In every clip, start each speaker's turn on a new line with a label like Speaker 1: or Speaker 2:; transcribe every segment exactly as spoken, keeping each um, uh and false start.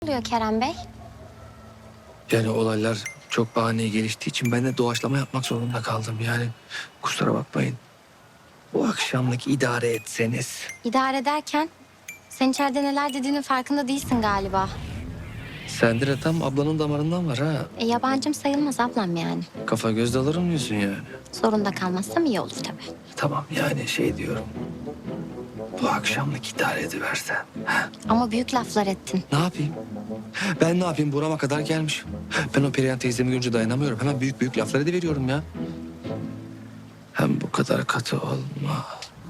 Speaker 1: Oluyor Kerem Bey?
Speaker 2: Yani olaylar çok ani geliştiği için ben de doğaçlama yapmak zorunda kaldım. Yani kusura bakmayın. Bu akşamlık idare etseniz.
Speaker 1: İdare ederken sen içeride neler dediğinin farkında değilsin galiba.
Speaker 2: Sende de tam ablanın damarından var ha.
Speaker 1: E, yabancım sayılmaz ablam yani.
Speaker 2: Kafa göz dalarım diyorsun yani.
Speaker 1: Zorunda kalmazsam iyi olur tabii.
Speaker 2: Tamam yani şey diyorum. Bu akşamlık idare ediversen. Ha?
Speaker 1: Ama büyük laflar ettin.
Speaker 2: Ne yapayım? Ben ne yapayım? Burama kadar gelmişim. Ben o Perihan teyzemi görünce dayanamıyorum. Hemen büyük büyük laflar ediveriyorum ya. Hem bu kadar katı olma.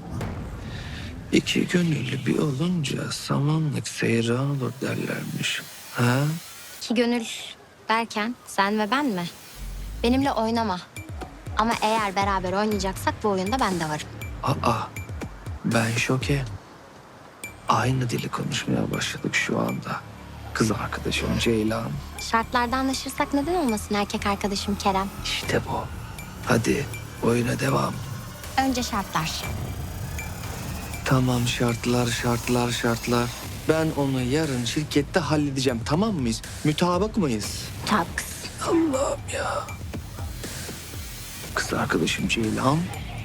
Speaker 2: İki gönüllü bir olunca samanlık seyran olur derlermiş. Ha?
Speaker 1: İki gönül derken sen ve ben mi? Benimle oynama. Ama eğer beraber oynayacaksak bu oyunda ben de varım.
Speaker 2: Aa, ben şoke. Aynı dili konuşmaya başladık şu anda. Kız arkadaşım Ceylan.
Speaker 1: Şartlarda anlaşırsak neden olmasın erkek arkadaşım Kerem?
Speaker 2: İşte bu. Hadi oyuna devam.
Speaker 1: Önce şartlar.
Speaker 2: Tamam şartlar, şartlar, şartlar. Ben onu yarın şirkette halledeceğim. Tamam mıyız? Mütabık mıyız?
Speaker 1: Taks.
Speaker 2: Allah'ım ya. Kız arkadaşım Ceylan.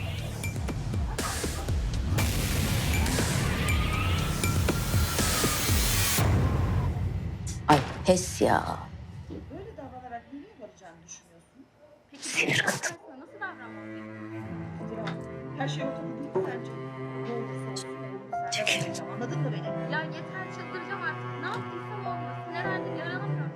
Speaker 3: Ay pes ya.
Speaker 4: Böyle davranarak nereye varacağını düşünüyorsun? Peki
Speaker 3: Sinir kadın.
Speaker 4: karşısına nasıl davranmalıyım? Ya, her şey ortada değil mi sence? Ne olursa olsun ben
Speaker 3: Çekil.
Speaker 4: senden alacağım, anladın mı beni?
Speaker 5: Ya yeter çıldıracağım artık. Ne yaptıysam olmuyor. Sinirlendim yaranamıyorum.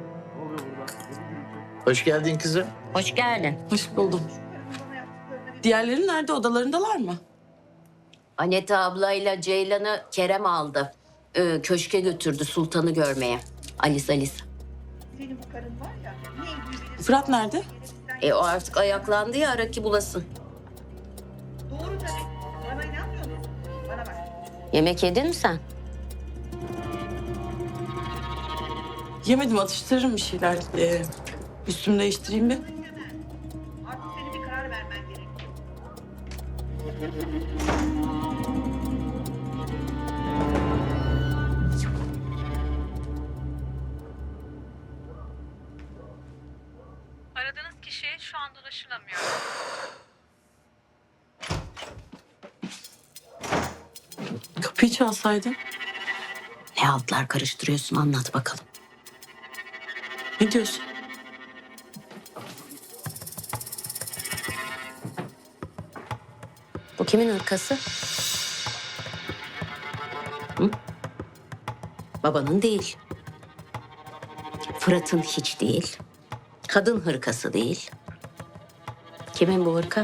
Speaker 6: Hoş geldin kızım.
Speaker 3: Hoş geldin.
Speaker 7: Hoş buldum.
Speaker 4: Şu karının bana yaptıklarına bir
Speaker 7: Diğerleri nerede? Odalarındalar mı?
Speaker 3: Aneta ablayla Ceylan'ı Kerem aldı. Ee, köşke götürdü Sultan'ı görmeye. Alice Alice.
Speaker 4: senin bu karın var ya, ne ilgili bilirsin.
Speaker 7: Fırat nerede?
Speaker 4: Gerekirsen-
Speaker 3: E o artık ayaklandı ya ara ki bulasın.
Speaker 4: Doğru tabii. Bana inanmıyor musun? Bana bak.
Speaker 3: Yemek yedin mi sen?
Speaker 7: Yemedim, atıştırırım bir şeyler. Ee, üstümü değiştireyim bir.
Speaker 4: Hemen. Artık senin bir karar vermen gerekiyor.
Speaker 8: Aradığınız kişi şu anda ulaşılamıyor.
Speaker 7: Kapıyı çalsaydın.
Speaker 3: Ne altlar karıştırıyorsun anlat bakalım.
Speaker 7: Ne diyorsun?
Speaker 3: Bu kimin hırkası? Hı? Babanın değil. Fırat'ın hiç değil. Kadın hırkası değil. Kimin bu hırka?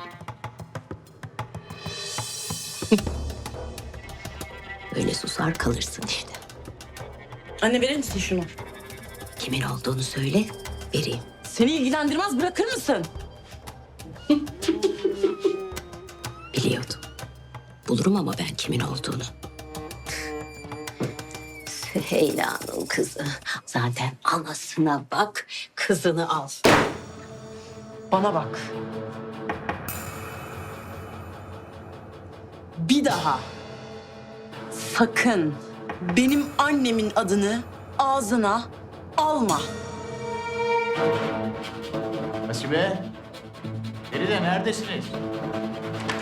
Speaker 3: Böyle susar kalırsın işte.
Speaker 7: Anne verir misin şunu?
Speaker 3: Kimin olduğunu söyle, vereyim.
Speaker 7: Seni ilgilendirmez, bırakır mısın?
Speaker 3: Biliyordum. Bulurum ama ben kimin olduğunu. Süheyla'nın kızı. Zaten anasına bak, kızını al.
Speaker 7: Bana bak. Bir daha sakın benim annemin adını ağzına alma.
Speaker 6: Hasibe. Feride neredesiniz?